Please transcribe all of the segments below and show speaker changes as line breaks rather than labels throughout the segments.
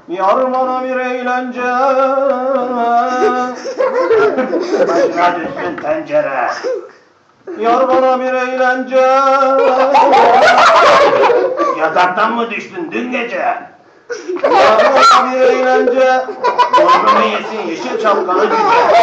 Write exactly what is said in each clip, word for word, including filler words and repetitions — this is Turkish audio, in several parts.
Yar bana bir eğlence.
Başına düşsün tencere.
Yar bana bir eğlence.
Yataktan mı düştün dün gece?
Yar bana bir eğlence.
Yorgumu yesin yeşil şapkalı cüce.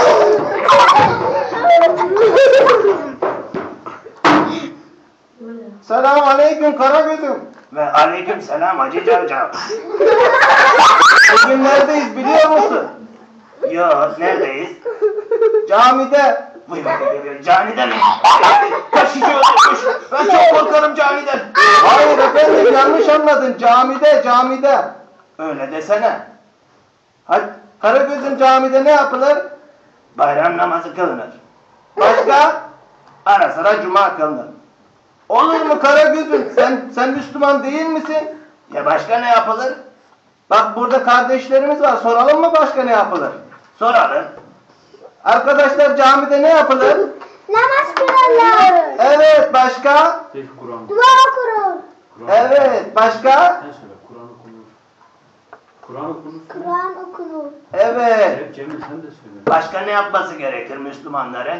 Selamun aleyküm Karagöz'üm.
Ve aleyküm selam Hacı Cavcav.
Bugün neredeyiz biliyor musun?
Yok neredeyiz?
Camide.
Vay vay vay vay, canide mi? Kaşıcı öldürmüş. Ben çok korkarım caniden.
Hayır efendim yanlış anladın. Camide, camide.
Öyle desene.
Hadi Karagöz'üm camide ne yapılır?
Bayram namazı kılınır.
Başka?
Ara sıra cuma kılınır.
Olur mu Karagöz'üm? Sen sen Müslüman değil misin?
Ya başka ne yapılır?
Bak burada kardeşlerimiz var. Soralım mı başka ne yapılır?
Soralım.
Arkadaşlar camide ne yapılır?
Namaz kılarlar.
Evet başka?
Kur'an.
Dua okurur.
Evet başka?
Sen söyle Kur'an okunur. Kur'an okunur.
Kur'an okunur.
Evet.
Evet Cemil sen de söyle.
Başka ne yapması gerekir Müslümanların?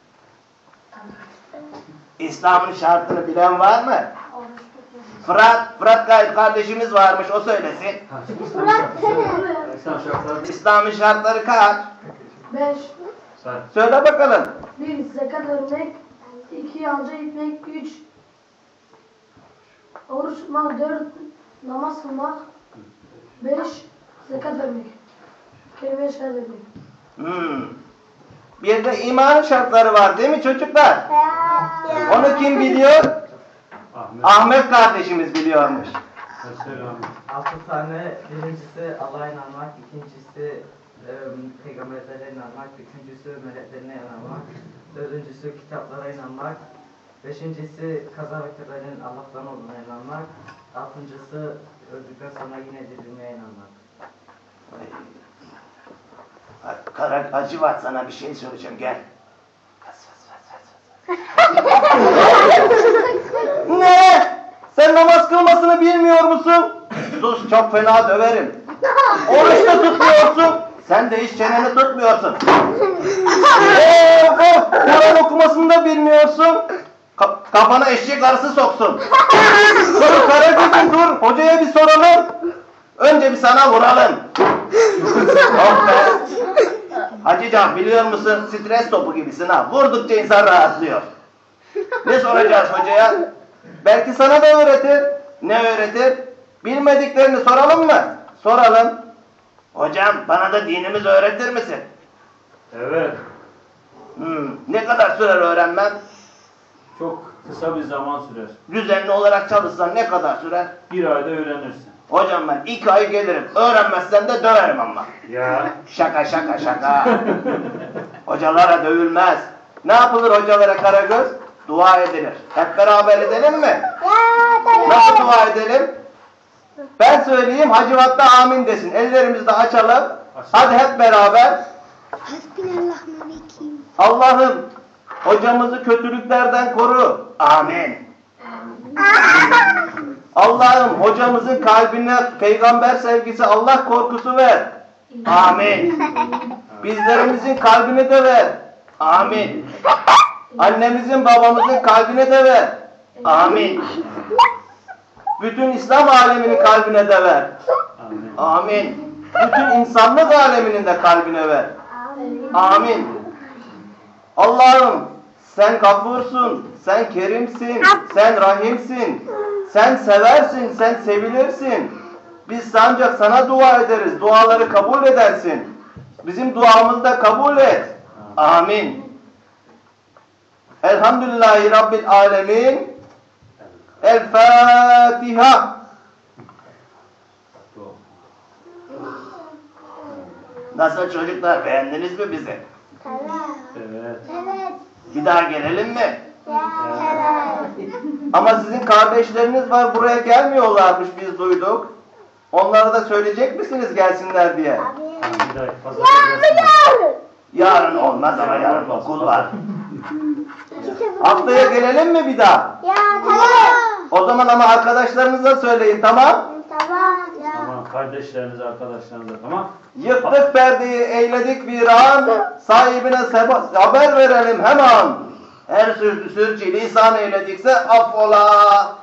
İslam'ın şartını bilen var mı? Fırat, Fırat Gayet kardeşimiz varmış, o söylesin.
Ha, İslam şartları. İslam şartları.
İslam'ın şartları kaç?
beş.
Say.
Söyle bakalım.
bir. Zekat vermek. iki. Hacca gitmek. üç. Oruç tutmak. dört. Namaz kılmak. beş. Zekat vermek. Kelime-i şehadet etmek.
Hmm. Bir de iman şartları var değil mi çocuklar? Onu kim biliyor?
Ahmet.
Ahmet kardeşimiz biliyormuş.
Sen söyle Ahmet.
Altı tane, birincisi Allah'a inanmak, ikincisi e, peygamberlere inanmak, üçüncüsü meleklerine inanmak, dördüncüsü kitaplara inanmak, beşincisi kaza ve kaderin Allah'tan olduğuna inanmak, altıncısı öldükten sonra yine dirilmeye inanmak.
Kara Acıvat sana bir şey söyleyeceğim, gel.
Ne? Sen namaz kılmasını bilmiyor musun? Sus çok fena döverim. Oruç da tutmuyorsun. Sen de hiç çeneni tutmuyorsun. Of of! Kur'an okumasını da bilmiyorsun. Ka kafana eşek arısı soksun. Dur Karagöz'üm dur. Hocaya bir soralım. Önce bir sana vuralım. Oh be. Hacıcan biliyor musun? Stres topu gibisin ha. Vurdukça insan rahatlıyor. Ne soracağız hocaya? Belki sana da öğretir. Ne öğretir? Bilmediklerini soralım mı? Soralım.
Hocam bana da dinimizi öğretir misin?
Evet.
Hmm, ne kadar sürer öğrenmem?
Çok kısa bir zaman sürer.
Düzenli olarak çalışsan ne kadar sürer?
Bir ayda öğrenirsin.
Hocam ben iki ay gelirim. Öğrenmezsem de döverim ama.
Ya.
Şaka şaka şaka. Hocalara dövülmez. Ne yapılır hocalara Karagöz? Dua edilir. Hep beraber edelim mi?
Ya tabii.
Nasıl dua edelim? Ben söyleyeyim Hacivat da amin desin. Ellerimizi de açalım. Hadi hep beraber.
Hasbunallahümekim.
Allah'ım hocamızı kötülüklerden koru.
Amin.
Allah'ım hocamızın kalbine peygamber sevgisi, Allah korkusu ver.
Amin.
Bizlerimizin kalbine de ver.
Amin.
Annemizin babamızın kalbine de ver.
Amin.
Bütün İslam aleminin kalbine de ver.
Amin.
Amin. Bütün insanlık aleminin de kalbine ver. Amin. Allah'ım sen gafursun, sen kerimsin, sen rahimsin, sen seversin, sen sevilirsin. Biz ancak sana dua ederiz, duaları kabul edersin. Bizim duamızı da kabul et. Amin. Elhamdülillahi Rabbil Alemin. El Fatiha.
Nasıl çocuklar, beğendiniz mi bizi?
Evet.
Evet.
Bir daha gelelim mi?
Ya evet.
Ama sizin kardeşleriniz var buraya gelmiyorlarmış biz duyduk. Onlara da söyleyecek misiniz gelsinler diye?
Bir daha fazla
Ya
gelsin.
Yarın olmaz ama yarın okul var.
Haftaya gelelim mi bir daha?
Ya tamam.
O zaman ama arkadaşlarınıza söyleyin tamam?
Tamam. Ya.
Tamam. kardeşlerinize, arkadaşlarınıza, tamam?
Yıktık perdeyi, eyledik viran, sahibine seba- haber verelim hemen. Her sürtü sürçü lisan eyledikse affola.